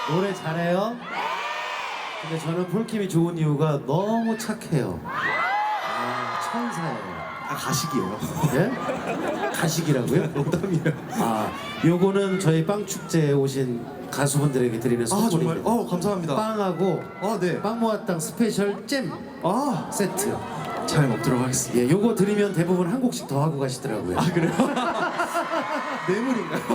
노래 잘해요? 근데 저는 폴킴이 좋은 이유가 너무 착해요. 천사예요. 아, 가식이에요. 예? 가식이라고요? 농담이에요. 아, 요거는 저희 빵축제에 오신 가수분들에게 드리는 아, 정말? 선물입니다. 감사합니다. 빵하고 네. 빵모아땅 스페셜 잼 세트. 잘 먹도록 하겠습니다. 예, 요거 드리면 대부분 한 곡씩 더 하고 가시더라고요. 아, 그래요? 뇌물인가요?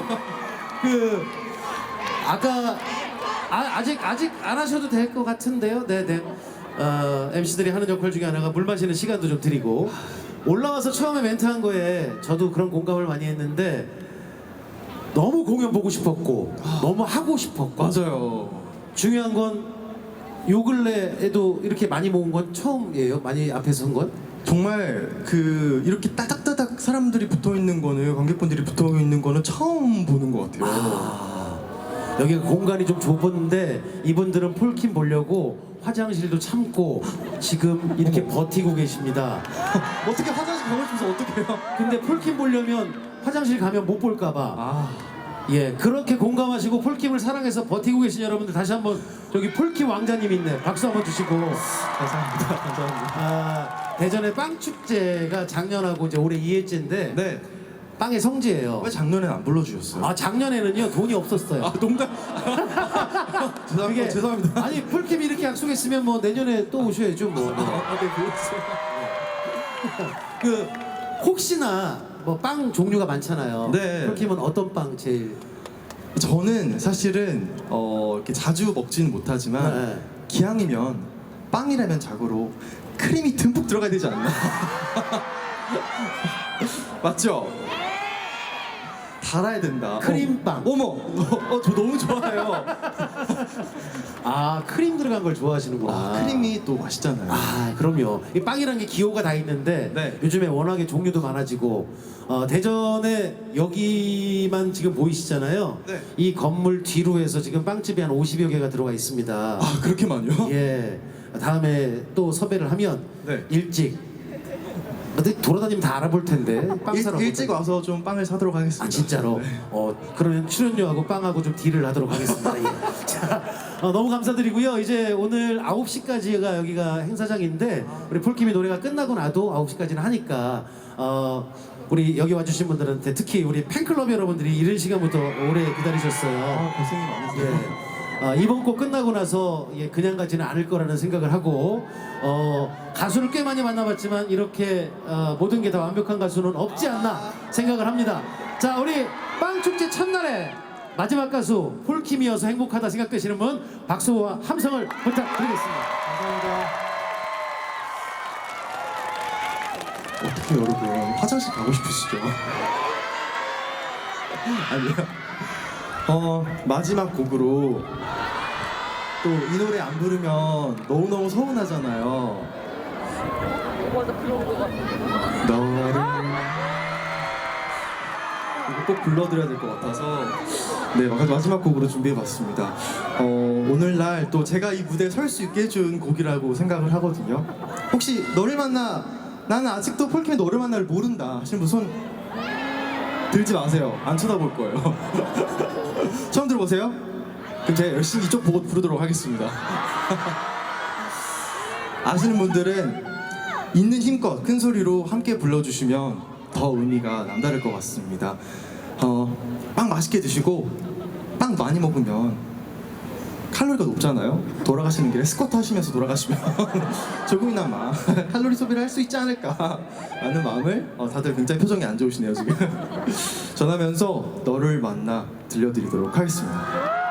아까 아직 안 하셔도 될 것 같은데요. 네네. MC들이 하는 역할 중에 하나가 물 마시는 시간도 좀 드리고, 올라와서 처음에 멘트한 거에 저도 그런 공감을 많이 했는데 너무 공연 보고 싶었고 너무 하고 싶었고, 맞아요. 중요한 건 요 근래에도 이렇게 많이 모은 건 처음이에요. 많이 앞에 선 건. 정말 이렇게 따닥따닥 사람들이 붙어 있는 거는, 관객분들이 붙어 있는 거는 처음 보는 것 같아요. 여기가 공간이 좀 좁은데 이분들은 폴킴 보려고 화장실도 참고 지금 이렇게 버티고 계십니다. 어떻게 화장실 가고 싶어서 어떡해요? 근데 폴킴 보려면 화장실 가면 못 볼까봐. 예, 그렇게 공감하시고 폴킴을 사랑해서 버티고 계신 여러분들, 다시 한번 저기 폴킴 왕자님 있네. 박수 한번 주시고. 감사합니다. 감사합니다. 대전의 빵축제가 작년하고 이제 올해 2회째인데 네. 빵의 성지예요. 왜 작년엔 안 불러주셨어요? 작년에는요 돈이 없었어요. 농담. 그게- 죄송합니다. 아니 폴킴이 이렇게 약속했으면 뭐 내년에 또 오셔야죠 뭐. 네, 그렇죠. 혹시나 뭐 빵 종류가 많잖아요. 네. 폴킴은 어떤 빵 제일? 저는 사실은 이렇게 자주 먹지는 못하지만 네. 기왕이면 빵이라면 자고로 크림이 듬뿍 들어가야 되지 않나? 맞죠? 달아야 된다. 크림빵. 어머, 저 너무 좋아해요. 크림 들어간 걸 좋아하시는구나. 크림이 또 맛있잖아요. 그럼요. 이 빵이라는 게 기호가 다 있는데 네. 요즘에 워낙에 종류도 많아지고 대전에 여기만 지금 보이시잖아요. 네. 이 건물 뒤로 해서 지금 빵집이 한 50여 개가 들어가 있습니다. 그렇게 많이요? 예. 다음에 또 섭외를 하면 네. 일찍 어디 돌아다니면 다 알아볼 텐데 빵 사러 일찍 와서 좀 빵을 사도록 하겠습니다. 진짜로? 네. 그러면 출연료하고 빵하고 좀 딜을 하도록 하겠습니다. 예. 자, 너무 감사드리고요. 이제 오늘 9시까지가 여기가 행사장인데 우리 폴킴이 노래가 끝나고 나도 9시까지는 하니까 우리 여기 와주신 분들한테, 특히 우리 팬클럽 여러분들이 이른 시간부터 오래 기다리셨어요. 고생이 많으세요. 이번 곡 끝나고 나서 그냥 가지는 않을 거라는 생각을 하고, 가수를 꽤 많이 만나봤지만 이렇게 모든 게 다 완벽한 가수는 없지 않나 생각을 합니다. 자, 우리 빵축제 첫날에 마지막 가수 폴킴이어서 행복하다 생각되시는 분 박수와 함성을 부탁드리겠습니다. 감사합니다. 어떻게 여러분 화장실 가고 싶으시죠? 아니요. 마지막 곡으로 또 이 노래 안 부르면 너무너무 서운하잖아요. 맞아, 그런 거 같아. 너를 이거 꼭 불러드려야 될 것 같아서 마지막 곡으로 준비해봤습니다. 오늘날 또 제가 이 무대에 설 수 있게 해준 곡이라고 생각을 하거든요. 혹시 너를 만나, 나는 아직도 폴킴의 너를 만나를 모른다 하시는 분 손 들지 마세요. 안 쳐다볼 거예요. 처음 들어보세요? 그럼 제가 열심히 이쪽 보고 부르도록 하겠습니다. 아시는 분들은 있는 힘껏 큰 소리로 함께 불러주시면 더 의미가 남다를 것 같습니다. 빵 맛있게 드시고, 빵 많이 먹으면 칼로리가 높잖아요. 돌아가시는 길에 스쿼트 하시면서 돌아가시면 조금이나마 칼로리 소비를 할 수 있지 않을까 라는 마음을, 다들 굉장히 표정이 안 좋으시네요 지금. 전하면서 너를 만나 들려드리도록 하겠습니다.